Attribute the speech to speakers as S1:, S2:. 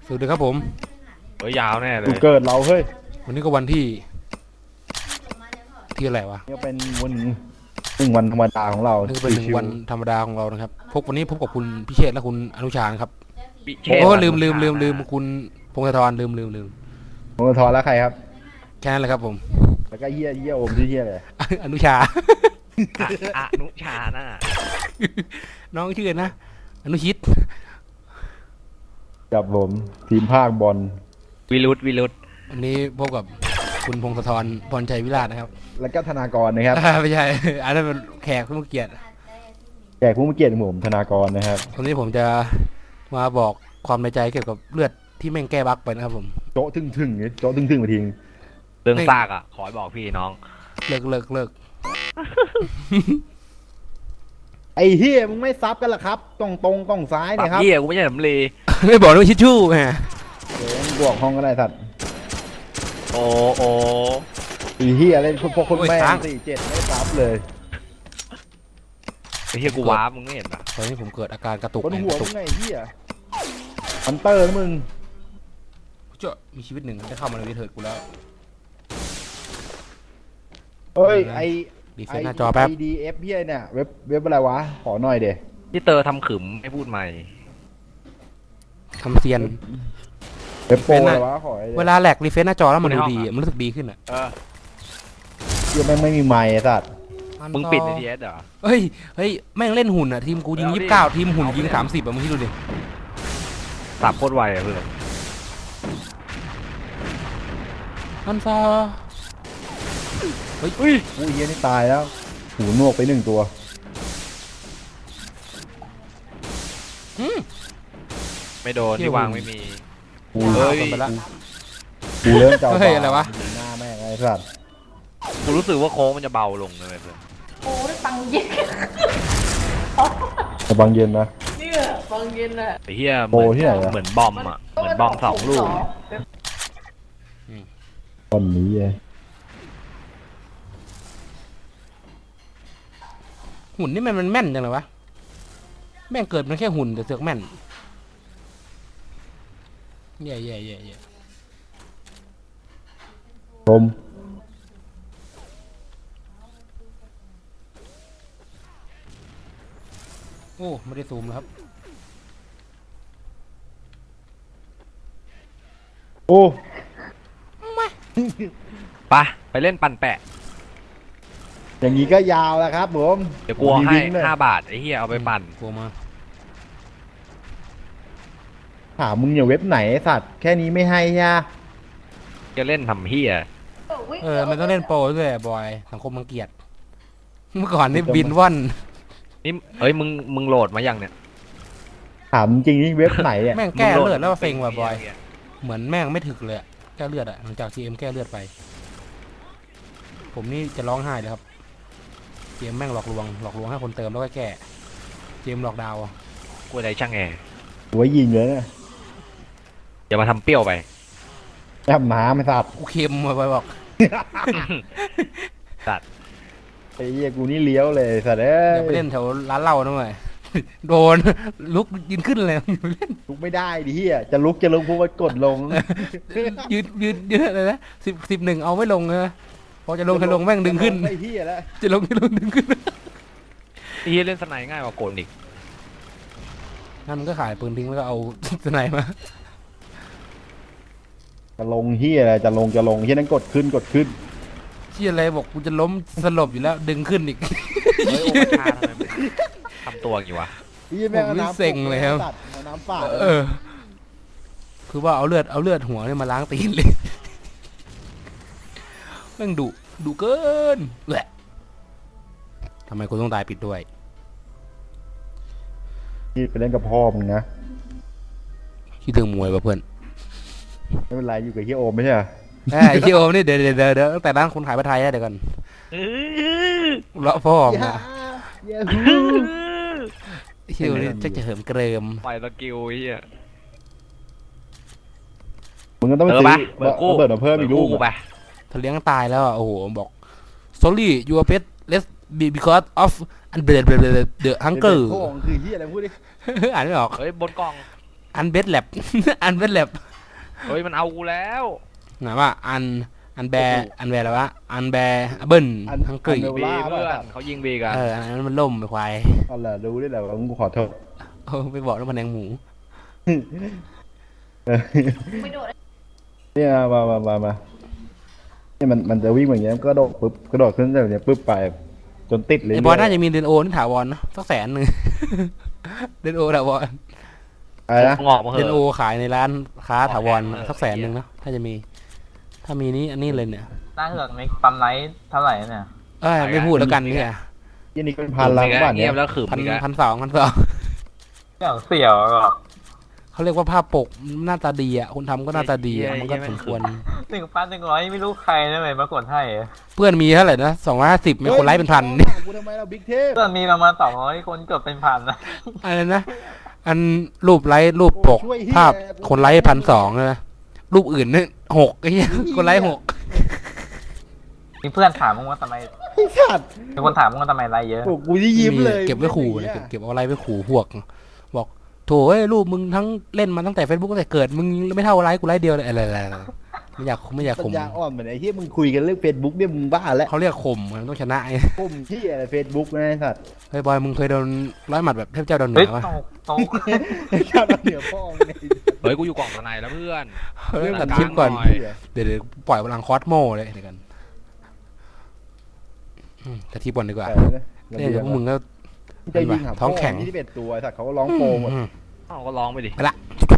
S1: สวัสดีครับผม
S2: ยาวแน่เล
S3: กู
S2: ย
S3: เกิดเราเฮ้ย
S1: วันนี้ก็วันที่อะไรวะ
S3: นี่เป็นวันธรรมดาของเรา
S1: นี่ก็เป็น1 วันธรรมดาของเรานะครับวันนี้พบกับคุณพิเชษและคุณอนุชานะครับโอ้ลืมคุณพงศธรลืม
S3: ผมจะทอนแล้วใครครับ
S1: แค่นั้นแหละครับผม
S3: แล้วก็เยี่ยโอมที่เยี่ยเลย
S1: อนุชา
S2: อนุชาน่ะ
S1: น้องชื่อนะอนุชิต
S3: กับผมทีมภาคบอล
S2: วิรุธ
S1: วันนี้พบกับคุณพงศธรพรชัยวิราชนะครับ
S3: แล้วก็ธนากรนะครับ
S1: ไม่ใช่อันนั้นเป็นแขกผู้มีเกียรติ
S3: ผมธนากรนะครับ
S1: วันนี้ผมจะมาบอกความในใจเกี่ยวกับเลือดที่แม่งแก้บั๊กไปนะครับผม
S3: โจ๊ะทึ่งมาทิ้ง
S2: เรื่องซากอ่ะขอบอกพี่น้อง
S1: เลิก
S3: ไอ้เฮียมึงไม่ซับกันหรอครับตรงซ้ายเนี่ยครับ
S2: เฮียกูไม่ใช่สำลี
S1: ไม่บอกด้วยชิชชู่แหม
S3: บวกห้องก็ได้สัตว์
S2: โอ้
S3: ไอ้เฮียเล่นพวกคนแม่47ไม่ซับเลย
S2: ไอ้เฮียกูว้ามึงไม่เห็นปะ
S1: ตอนนี้ผมเกิดอาการกระตุก
S3: บนหัวมึงไงเฮียฮันเตอร์มึง
S1: จะมีชีวิตหนึ่งได้เข้ามาในวิถีกูแล้ว
S3: เฮ้ย
S1: ดีเฟนหน้าจอแป๊บ
S3: IDF เฮียเนี่ยเว็บอะไรวะขอหน่อยเด
S2: ที่เตอทำขึมให้พูดใหม่
S1: ทำเซียน
S3: เว็บโปรอะไรวะขอ
S1: เวลาแหลกรีเฟซหน้าจอแล้วมันดูดีมันรู้สึกดีขึ้นอ่ะ
S3: เฮียแม่งไม่มีไมค์สัตว์
S2: มึงปิดใน DS เหรอ
S1: เฮ้ยแม่งเล่นหุ่นอ่ะทีมกูยิง29ทีมหุ่นยิง30อ่ะมึงคิดดูดิ
S2: สับโคตรไวอ่ะเพื่อน
S1: อันซา
S3: เฮ้ยเฮียนี่ตายแล้วหูนวกไป1 ตัว
S2: ไม่โดนที่วางไม่มี
S3: กูเริ่มเจ้าบ้า
S1: อะไรวะ
S3: หน้าแม่งไอ้สัตว์
S2: กูรู้สึกว่าโค้งมันจะเบาลงเลยเพื่อน
S4: โอ้ได้ปังเย็น
S3: บางเย็นนะ
S4: เนี่ยปังเย็นอะ
S2: ไอ้เหี้ยเหมือนบอมอ่ะเหมือนบอม2 ลูก
S3: ตอนนี้
S1: หุ่นนี่มันแม่นจังเลยวะแม่งเกิดมันแค่หุ่นแต่เสือกแม่นแย่
S3: ลม
S1: โอ้ไม่ได้ซูมแล้วครับ
S3: โอ้
S2: ไปเล่นปั่นแปะ
S3: อย่างนี้ก็ยาวแล้วครับผม
S2: เดี๋ยวกลัวให้5 บาทไอ้เหี้ยเอาไปปั่น
S1: กลัวมา
S3: ถามมึงอย่าเว็บไหนสัตว์แค่นี้ไม่ให้ย่า
S2: จะเล่นทำเหี้ย
S1: มันต้องเล่นโปรด้วยบอยสังคมมังเกียรติเมื่อก่อนนี่บินว่อน
S2: นี่มึงโหลดมายังเนี่ย
S3: ถามจริงนี่เว็บไหนเนี่ย
S1: แม่งแก้เลือดแล้วเซ็งว่ะบอยเหมือนแม่งไม่ถึกเลยแก้เลือดอะหลังจากทีเอ็มแก้เลือดไปผมนี่จะร้องไห้เลยครับเกมแม่งหลอกลวงให้คนเติมแล้วก็แก้เกมหลอกดาว
S2: กูอะไรช่างแอร์
S3: หัวยิงเลยนะ
S2: อย่ามาทำเปรี้ยวไป
S3: แอบน้ำไม่สัตว์
S1: กูเค็มไปบอก
S2: สัตว์
S3: ไอ้เหี้ยกูนี่เลี้ยวเลยสัตว์
S1: อย่าไปเล่นแถวร้านเหล้านะเว้ยโดนลุกยืนขึ้นเลย
S3: ลุกไม่ได้ดิเหี้ยจะลุกพวกมันกดลง
S1: ยืนอะไรนะ10-1เอาไม่ลงนะพอจะลงแม่งดึงขึ้น
S3: ไอ้เหี้ยแล้ว
S1: จะลงดึงขึ้น
S2: ไอ้เหี้ยเล่นสไนง่ายกว่าโกนอีก
S1: งั้นมันก็ขายปืนทิ้งแล้วก็เอาสไนมา
S3: จะลงเหี้ยอะไรจะลงเหี้ยนั้นกดขึ้น
S1: เหี้ยอะไรบอกกูจะล้มสลบอยู่แล้วดึงขึ้นอีก
S2: โอ้ยทำไมทำตัวอย่างวะ
S1: ผมเซ็งเลยครับ
S3: น้ำป่า
S1: คือว่าเอาเลือดหัวเนี่ยมาล้างตีนเลยแม่งดุเกินแหละทำไมคุณต้องตายปิดด้วย
S3: ที่ไปเล่นกับพ่อมึงนะ
S1: คิดถึงมวยป่ะเพื่อน
S3: ไม่เป็นไรอยู่กับเฮียโอมไม่ใช่เหรอ
S1: เฮียโอมนี่เดี๋ยวตั้งแต่ร้านคนขายผ้าไทยเดี๋ยวกันเลาะพ่อมาเฮียนี่จะเหิมเกริม
S2: ไปสกิลเฮีย
S3: มึงก็ต้องซื้อเบิร์ดมาเพิ่มอีกลูก
S2: ไป
S1: ถ้าเลี้ยงตายแล้วโอ้โหบอก sorry your pet let's be because of the hunger
S3: คือเฮียอะไรพูดดิ
S1: อ่านไม่ออก
S2: เฮ้ยบนกล่อง
S1: อันเบสแลบ อันเบสแลบ
S2: เฮ้ยมันเอากูแล้ว
S1: ไหนว่าอันแบอะไรวะอันแบเบิ้ลฮังกรี
S2: บีเพื่อนเขายิงบีกัน
S1: อันนั้นมันล่มไปควาย
S3: เอาล่ะรู้ได้แหละว่ากูขอโทษ
S1: ไปบอกแล้วมันแดงหมู
S4: ไม่โดด
S3: เนี่ยมาเนี่ยมันจะวิ่งอย่างเงี้ยก็โดดปุ๊บกระโดดขึ้นแบบเนี้ยปุ๊บไปจนติดเลย
S1: ไอ้บอลน่าจะมีเดนโอนี่ถาวรนะสัก100,000 เดนโอถาวร
S3: อะไรนะ
S2: งอกมาเห
S1: เดนโอ
S2: อะ
S1: ขายในร้านค้าถาวร
S2: เออ
S1: สัก100,000นะถ้าจะมี ถ้ามีนี้อันนี้เลยเนี่ย
S5: หน้าเหือกในปั๊มไลท์เท่าไหร่เนี่ย
S1: ไม่พูดแล้วกันเนี่ย
S3: ยี่นี่เป็นพันล้านบาท
S2: เงี
S3: เนี่ย ย
S2: บแล้วขืบ
S1: พัน
S2: อีกแล้ว
S1: พันสอง
S5: อย่างเสี่ยวก็
S1: เขาเรียกว่าภาพปกหน้าตาดีอ่ะคนทำก็หน้าตาดีอะมันก็สมควร
S5: 1,100ไม่รู้ใครนะเลยมากดให้
S1: เพื่อนมีเท่าไหร่นะ250มีคนไลค์เป็นพันนี่
S3: กูทำไมเราบิ๊กเทพ
S5: เพื่อนมีประมาณ200คนเกือบเป็นพันนะ
S1: อะไรนะ อันรูปไลค์รูปปก ภาพคนไลค์1,200นะรูปอื่นนี่6ไอ้เหี้ยคนไลค์6
S5: มีเพื่อนถามมึงว่าทำไม
S3: ไอ้สัตว์
S5: มีคนถามมึงว่าทำไมไลท์เยอะ
S3: โอ้กูที่ยิ้มเลย
S1: เก็บไว้ขู่นะเก็บเอาไลค์ไว้ขู่พวกบอกโถเอ้ยรูปมึงทั้งเล่นมาตั้งแต่ Facebook ตั้งแต่เกิดมึงไม่เท่าไลค์กูไลค์เดียวเลยอะไรไม่อยาก
S3: ปั
S1: ข่ม
S3: ญญาอ่อนเหมือนไอ้ที่มึงคุยกันเรื่องเฟซบุ๊กเนี่ยมึงบ้าแล้ว
S1: เขาเรียกข่มมันต้องชนะไอ้
S3: ปุ่มที่อะไรเฟซบุ๊กนะไอ้สัตว์
S1: เฮ้ยบอยมึงเคยโดนร้อยหมัดแบบเทพเจ้าดาวเหนื
S5: เฮ้ย
S1: อปะ
S5: ตก
S3: ชาติเหนือพ่อมึงเนี่ย
S2: เฮ้ยกูอยู่กล่องข้างในแล้วเพื่อน
S1: เรื่อง
S2: เรื่
S1: ตั
S2: อ
S1: ด
S2: ง
S1: คลิปก่อน
S2: หน่อย
S1: เดี๋ยวปล่อยพลังคอสโมเลยเดี๋ยวกันแต่ที่บอลดีกว่าเนี่ยเดี๋ยวพวกมึงก็
S3: จะยิงหา
S1: ท้องแข็ง
S3: ที่เป็นตัวไอ้สัตว์เขาก็ร้องโปรหมด
S1: อืม
S2: เอ้าก็ร้องไปดิ
S1: ไปละ